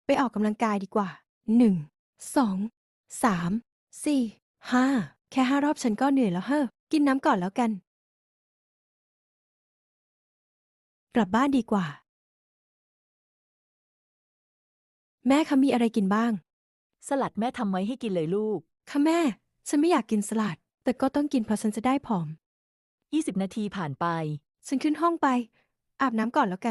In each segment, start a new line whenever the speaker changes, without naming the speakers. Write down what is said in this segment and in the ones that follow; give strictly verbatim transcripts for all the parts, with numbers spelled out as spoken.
ไปออกกำลังกายดีกว่าหนึ่งสองสามสี่ห้าแค่ห้ารอบฉันก็เหนื่อยแล้วเฮ้อกินน้ำก่อนแล้วกัน กลับบ้านดีกว่า แม่คะมีอะไรกินบ้าง
สลัดแม่ทำไว้ให้กินเลยลูก
ค่ะแม่ ฉันไม่อยากกินสลัด แต่ก็ต้องกินเพราะฉันจะได้ผอม
ยี่สิบนาทีผ่านไป
ฉันขึ้นห้องไป อาบน้ำก่อนแล้วกัน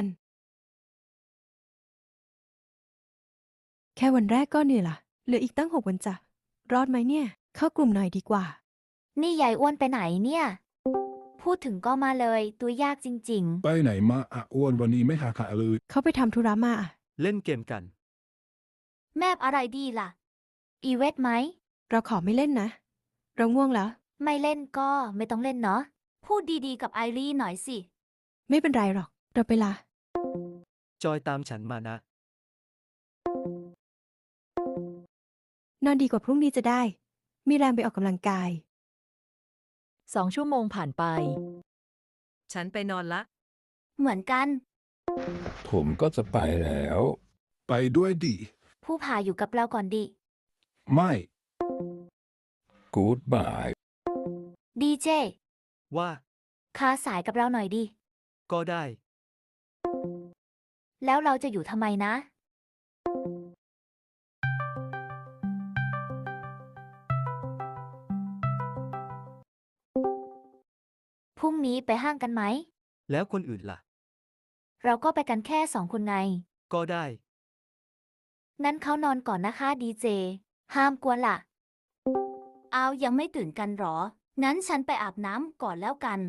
แค่วันแรกก็เหนื่อยละเหลืออีกตั้งหกวันจ้ะรอดไหมเนี่ย เข้ากลุ่มหน่อยดีกว่า
นี่ยายอ้วนไปไหนเนี่ย พูดถึงก็มาเลย ตัวยากจริง
ไปไหนมาอ่ะอ้วนวันนี้ไม่หาขาเลย
เขาไปทำธุระมาอะ
เล่นเกมกัน
ๆ แมบอะไรดีล่ะ อีเวทไหม
เราขอไม่เล่นนะ เราง่วงแล้ว
ไม่เล่นก็ไม่ต้องเล่นเนาะ พูดดีๆกับไอรีหน่อยสิ
ไม่เป็นไรหรอก เราไปละ
จอยตามฉันมานะ
นอนดีกว่าพรุ่งนี้จะได้ มีแรงไปออกกำลังกาย
สองชั่วโมงผ่านไป
ฉันไปนอนละ
เหมือนกัน
ผมก็จะไปแล้ว
ไปด้วยดิ
ผู้พาอยู่กับเราก่อนดิ
ไม่
กู๊ดบาย
ดีเจ
ว่า
คาสายกับเราหน่อยดิ
ก็ได้
แล้วเราจะอยู่ทำไมนะ พรุ่งนี้ไปห้างกันไหม
แล้วคนอื่นล่ะ
เราก็ไปกันแค่สองคนไง
ก็ได้
นั้นเขานอนก่อนนะคะดีเจ ห้ามกวนล่ะ เอายังไม่ตื่นกันหรอ งั้นฉันไปอาบน้ำก่อนแล้วกัน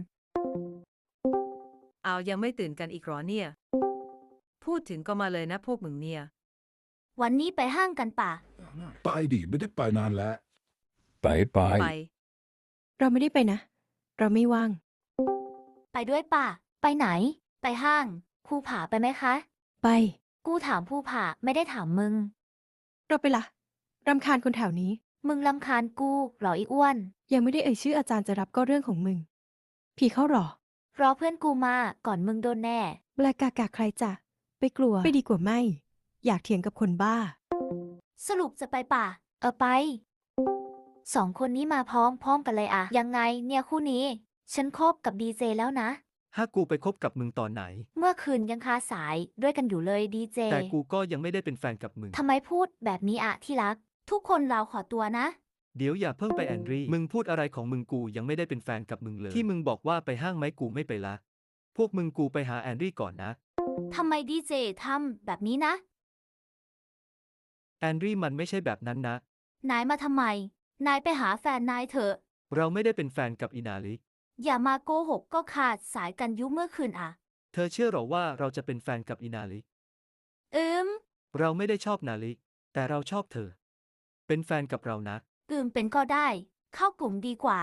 เอายังไม่ตื่นกันอีกหรอเนี่ย พูดถึงก็มาเลยนะพวกมึงเนี่ย
วันนี้ไปห้างกันป่ะ
ไปดิไม่ได้ไปนานแล้ว
ไปไป
ไป
เราไม่ได้ไปนะ เราไม่ว่าง
ไปด้วยป่ะ ไปไหน ไปห้างภูผาไปไหมคะ
ไป
กูถามภูผาไม่ได้ถามมึง
เราไปละรำคาญคนแถวนี้
มึงลำคาญกูเหรออีอ้วน
ยังไม่ได้เอ่ยชื่ออาจารย์จะรับก็เรื่องของมึง ผีเข้าหรอ
รอเพื่อนกูมาก่อนมึงโดนแน่
แบลกากาใครจะไปกลัว ไปดีกว่าไม่ อยากเถียงกับคนบ้า
สรุปจะไปป่ะ เออไป สองคนนี้มาพร้อมพร้อมกันเลยอะยังไงเนี่ยคู่นี้ ฉันคบกับดีเจแล้วนะ
ถ้ากูไปคบกับมึงตอนไหน
เมื่อคืนยังคาสายด้วยกันอยู่เลยดีเจ
แต่กูก็ยังไม่ได้เป็นแฟนกับมึง
ทำไมพูดแบบนี้อะที่รัก ทุกคนเราขอตัวนะ
เดี๋ยวอย่าเพิ่งไปแอนดรีมึงพูดอะไรของมึงกูยังไม่ได้เป็นแฟนกับมึงเลย ที่มึงบอกว่าไปห้างไหมกูไม่ไปละ พวกมึงกูไปหาแอนดรีก่อนนะ
ทำไมดีเจทำแบบนี้นะ
แอนดรีมันไม่ใช่แบบนั้นนะ
นายมาทำไม นายไปหาแฟนนายเถอะ
เราไม่ได้เป็นแฟนกับอินาลิ
อย่ามาโกหกก็ขาดสายกันยุเมื่อคืนอะ
เธอเชื่อหรอว่าเราจะเป็นแฟนกับอินาลิ
อืม
เราไม่ได้ชอบนาลิ แต่เราชอบเธอ เป็นแฟนกับเรานะ
อืมเป็นก็ได้ เข้ากลุ่มดีกว่า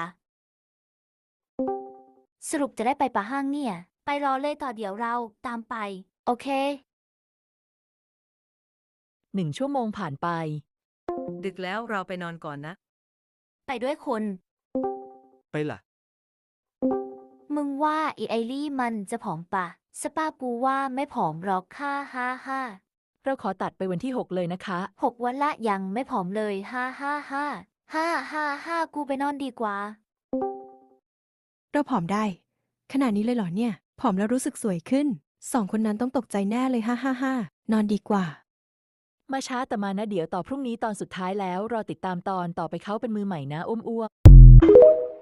สรุปจะได้ไปปะห้างเนี่ย ไปรอเลยต่อเดี๋ยวเราตามไป โอเค
หนึ่งชั่วโมงผ่านไป
ดึกแล้วเราไปนอนก่อนนะ
ไปด้วยคน
ไปล่ะ
มึงว่าอีไอลี่มันจะผอมปะสป้ากูว่าไม่ผอมหรอกค่ะฮ่าฮ่า
เราขอตัดไปวันที่หกเลยนะคะ
หกวันละยังไม่ผอมเลยฮ่าฮ่าฮ่าฮ่าฮ่าฮ่ากูไปนอนดีกว่า
เราผอมได้ ขนาดนี้เลยเหรอเนี่ย ผอมแล้วรู้สึกสวยขึ้น สองคนนั้นต้องตกใจแน่เลยฮ่าฮ่าฮ่านอนดีกว่า
มาช้าแต่มานะเดี๋ยวต่อพรุ่งนี้ตอนสุดท้ายแล้วรอติดตามตอนต่อไปเขาเป็นมือใหม่นะอ้วมอ้ว